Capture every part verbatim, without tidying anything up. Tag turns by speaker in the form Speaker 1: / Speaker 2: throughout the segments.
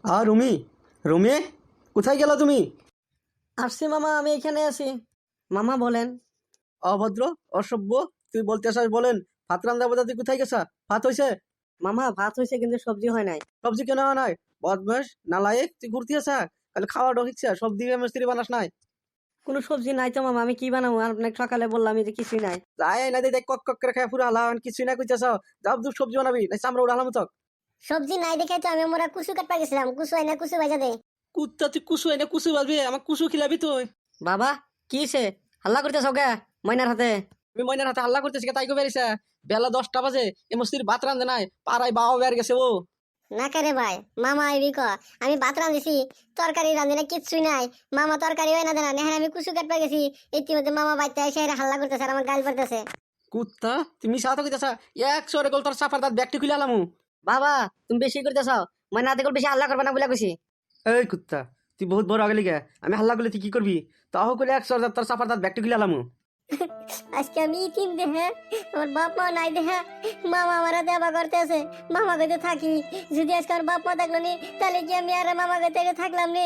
Speaker 1: আর রুমি, রুমি কোথায় গেল তুমি?
Speaker 2: আসছি মামা, আমি এখানে আছি। মামা বলেন।
Speaker 1: অভদ্র, অসভ্য, তুই বলতে আসাস বলেন ভাত রান্না বোঝা, তুই কোথায় গেছা? ভাত হয়েছে?
Speaker 2: মামা ভাত হয়েছে কিন্তু সবজি হয় নাই।
Speaker 1: সবজি কেন হয় নাই? বদমাস নালায়েক, তুই ঘুরতে আসা তাহলে খাওয়া ঢোকিচ্ছে, সবজি মিস্ত্রি বানাস নাই?
Speaker 2: কোনো সবজি নাই তো মামা, আমি কি বানাবো? আপনাকে সকালে বললাম যে কিছুই নাই।
Speaker 1: যাই না দেখ, কক কক করে খায় পুরো হালা, কিছুই না কইতেছ। যাও তুই সবজি বানাবি না, চামড়া উড়ালাম তো।
Speaker 3: সবজি নাই দেখে তো আমি মোরা কুসু কাটপা গেছিলাম, কুসু আইনা কুসু ভাজা দে।
Speaker 1: কুত্তা, তুই কুসু এনে কুসু বাজবি, আমার কুসু খিলাবি তুই?
Speaker 2: বাবা কি সে হাল্লা করতেছ কে ময়নার হাতে?
Speaker 1: আমি ময়নার হাতে হাল্লা করতেছি তাই কবে বেরিয়েছে? বেলা দশটা বাজে, এ মস্তির ভাত রান্ধে নাই, পাড়ায় বাবা বের গেছে ও।
Speaker 3: না করে ভাই, মামা আইবি ক। আমি ভাত রাঁধেছি, তরকারি রাঁধি না, কিচ্ছুই নাই। মামা তরকারি হয় না দেনা, নেহার আমি কুসু কাটপা গেছি। ইতিমধ্যে মামা বাইতে এসে এরা হাল্লা করতেছে আর আমার গাল পড়তেছে।
Speaker 1: কুত্তা, তুমি সাথে কইতাছা একশো রে গল তোর সাফার দাঁত ব্যাগটি খুলে আলামু।
Speaker 2: বাবা তুমি বেশি করতেছ, ময়না হাতে করে বেশি হাল্লা করবে না বলে কইছি।
Speaker 1: এই কুত্তা, তুই বহুত বড় আগলি গে, আমি হাল্লা করলে তুই কি করবি? তাহ করে একশো তোর সাফার দাঁত ব্যাগটি খুলে আলামু।
Speaker 3: আজকে আমি ইতিম দেহে, আমার বাপ মা নাই দেহা, মামা আমার দেবা করতেছে। মামা গতে থাকি, যদি আজকে আমার বাপ মা থাকলো নি, তাহলে কি আমি আর মামা গতে থাকলাম নি?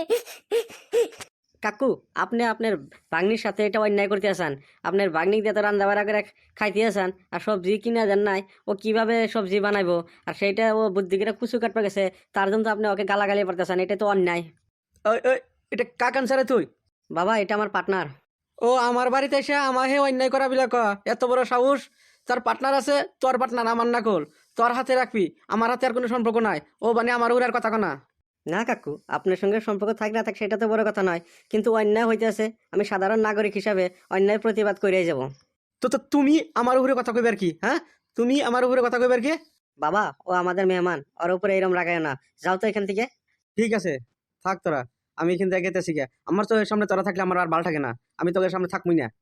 Speaker 2: কাকু, আপনি আপনার বাগনির সাথে এটা অন্যায় করতে আসান। আপনার বাগনি দিয়ে তো রান্না বাড়া করে খাইতে আসান, আর সবজি কিনা দেন নাই। ও কিভাবে সবজি বানাইবো? আর সেইটা ও বুদ্ধি করে কুচু কাটপা গেছে, তার জন্য তো আপনি ওকে গালাগালি পারতেছেন, এটা তো অন্যায়।
Speaker 1: ওই ওই, এটা কাকান সারে তুই?
Speaker 2: বাবা এটা আমার পার্টনার।
Speaker 1: ও আমার বাড়িতে এসে আমার হে অন্যায় করা বিলা ক? এত বড় সাহস! তোর পার্টনার আছে, তোর পার্টনার আমার না কল, তোর হাতে রাখবি, আমার হাতে আর কোনো সম্পর্ক নাই। ও মানে আমার উড়ার কথা কনা।
Speaker 2: না কাকু, আপনার সঙ্গে সম্পর্ক থাক না থাক সেটা তো বড় কথা নয়, কিন্তু অন্যায় হইতেছে, আমি সাধারণ নাগরিক হিসাবে অন্যায় প্রতিবাদ করিয়ে যাব।
Speaker 1: তো তো তুমি আমার উপরে কথা কইবার কি? হ্যাঁ, তুমি আমার উপরে কথা কইবার কি?
Speaker 2: বাবা ও আমাদের মেহমান, ওর উপরে এরম রাগায় না। যাও তো এখান থেকে।
Speaker 1: ঠিক আছে, থাক তোরা, আমি এখান থেকে গেতেছি গে। আমার তো এর সামনে তোরা থাকলে আমার আর ভালো থাকে না, আমি তোদের সামনে থাকবই না।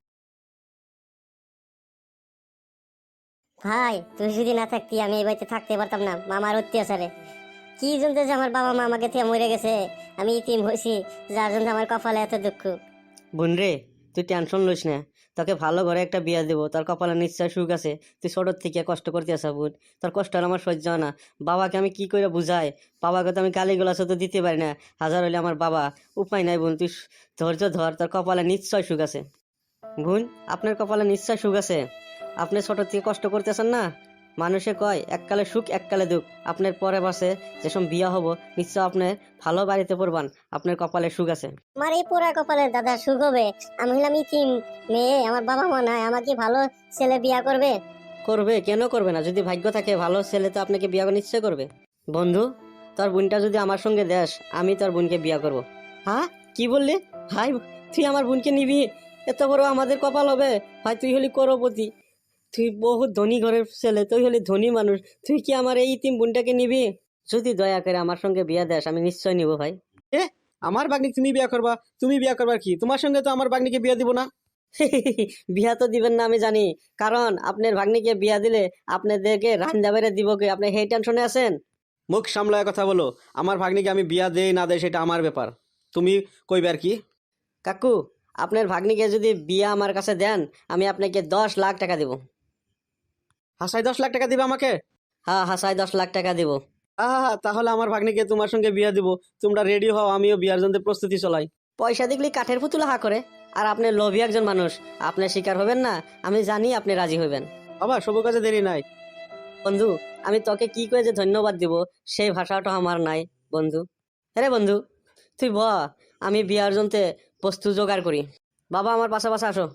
Speaker 3: ভাই তুই যদি না থাকতি আমি এই বাড়িতে থাকতে পারতাম না মামার অত্যাচারে। কি জন্য যে আমার বাবা মা আমাকে থেকে মরে গেছে, আমি ইতিম হয়েছি, যার জন্য আমার কপালে এত দুঃখ।
Speaker 2: বোন রে, তুই টেনশন লইস না, তোকে ভালো ঘরে একটা বিয়া দেবো, তোর কপালে নিশ্চয় সুখ আছে। তুই ছোটোর থেকে কষ্ট করতে আসা বোন, তোর কষ্ট আর আমার সহ্য হয় না। বাবাকে আমি কি করে বুঝাই? বাবাকে তো আমি গালি গোলাস তো দিতে পারি না, হাজার হইলে আমার বাবা। উপায় নাই বোন, তুই ধৈর্য ধর, তোর কপালে নিশ্চয় সুখ আছে। বোন, আপনার কপালে নিশ্চয় সুখ আছে। আপনি ছোটোর থেকে কষ্ট করতেছেন না, মানুষে কয় এককালে সুখ এককালে দুঃখ। আপনার পরে বাসে যেসব বিয়া হবো, নিশ্চয় আপনার ভালো বাড়িতে পড়বান, আপনার কপালে সুখ আছে।
Speaker 3: আমার এই পোড়া কপালে দাদা সুখ হবে? আমি হলাম ইতিম মেয়ে, আমার বাবা মা নাই, আমাকে ভালো ছেলে বিয়া করবে?
Speaker 2: করবে, কেন করবে না? যদি ভাগ্য থাকে ভালো ছেলে তো আপনাকে বিয়া নিশ্চয় করবে। বন্ধু, তোর বোনটা যদি আমার সঙ্গে দেস, আমি তোর বোনকে বিয়া করব। হ্যাঁ, কি বললি ভাই? তুই আমার বোনকে নিবি? এত বড় আমাদের কপাল হবে ভাই, তুই হলি করপতি, তুই বহুত ধনী ঘরের ছেলে, তুই হলি ধনী মানুষ, তুই কি আমার এই তিন বোনটাকে নিবি? যদি দয়া করে আমার সঙ্গে বিয়া দেস, আমি নিশ্চয় নিব ভাই।
Speaker 1: এ, আমার বাগনি তুমি বিয়া করবা? তুমি বিয়া করবার কি? তোমার সঙ্গে তো আমার বাগনিকে বিয়া দিব না।
Speaker 2: বিয়া তো দিবেন না আমি জানি, কারণ আপনার ভাগ্নিকে বিয়া দিলে আপনাদেরকে রান্না বেড়ে দিব কি? আপনি সেই টেনশনে আছেন?
Speaker 1: মুখ সামলায় কথা বলো। আমার ভাগ্নিকে আমি বিয়া দেই না দেই সেটা আমার ব্যাপার, তুমি কইবার কি?
Speaker 2: কাকু, আপনার ভাগ্নিকে যদি বিয়া আমার কাছে দেন, আমি আপনাকে দশ লাখ টাকা দিব।
Speaker 1: হাসাই দশ লাখ টাকা দিবে আমাকে?
Speaker 2: হ্যাঁ হাসাই দশ লাখ টাকা দিব।
Speaker 1: আহা, তাহলে আমার ভাগ্নিকে তোমার সঙ্গে বিয়া দিব। তোমরা রেডি হও, আমিও বিয়ার জন্য প্রস্তুতি চলাই।
Speaker 2: পয়সা দেখলি কাঠের পুতুল হা করে, আর আপনি লোভী একজন মানুষ, আপনি শিকার হবেন না। আমি জানি আপনি রাজি হবেন।
Speaker 1: বাবা, সব কাজে দেরি নাই।
Speaker 2: বন্ধু, আমি তোকে কি করে যে ধন্যবাদ দিব সেই ভাষাটা আমার নাই বন্ধু। আরে বন্ধু, তুই ব, আমি বিয়ার জন্য বস্তু জোগাড় করি। বাবা আমার পাশে পাশে আসো।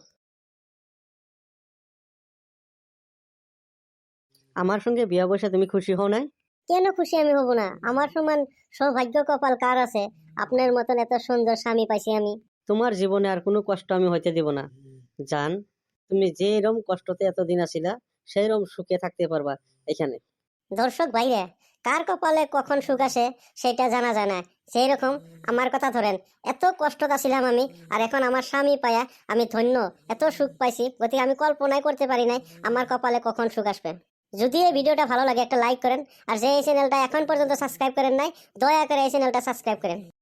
Speaker 2: আমার সঙ্গে বিয়া বসে তুমি খুশি হও নাই?
Speaker 3: কেন খুশি আমি হব না? আমার সমান সৌভাগ্য কপাল কার আছে? আপনার মতন এত সুন্দর স্বামী পাইছি আমি।
Speaker 2: তোমার জীবনে আর কোনো কষ্ট আমি হইতে দিব না জান। তুমি যেরকম কষ্টতে এতদিন আছিলা, সেইরকম সুখে থাকতে পারবা এখানে।
Speaker 3: দর্শক ভাইরা, কার কপালে কখন সুখ আসে সেটা জানা যায় না। সেই রকম আমার কথা ধরেন, এত কষ্ট ছিলাম আমি, আর এখন আমার স্বামী পায়া আমি ধন্য, এত সুখ পাইছি, গতিকে আমি কল্পনাই করতে পারি নাই আমার কপালে কখন সুখ আসবে। যদি এই ভিডিওটা ভালো লাগে একটা লাইক করেন, আর যে এই চ্যানেলটা এখন পর্যন্ত সাবস্ক্রাইব করেন নাই, দয়া করে এই চ্যানেলটা সাবস্ক্রাইব করেন।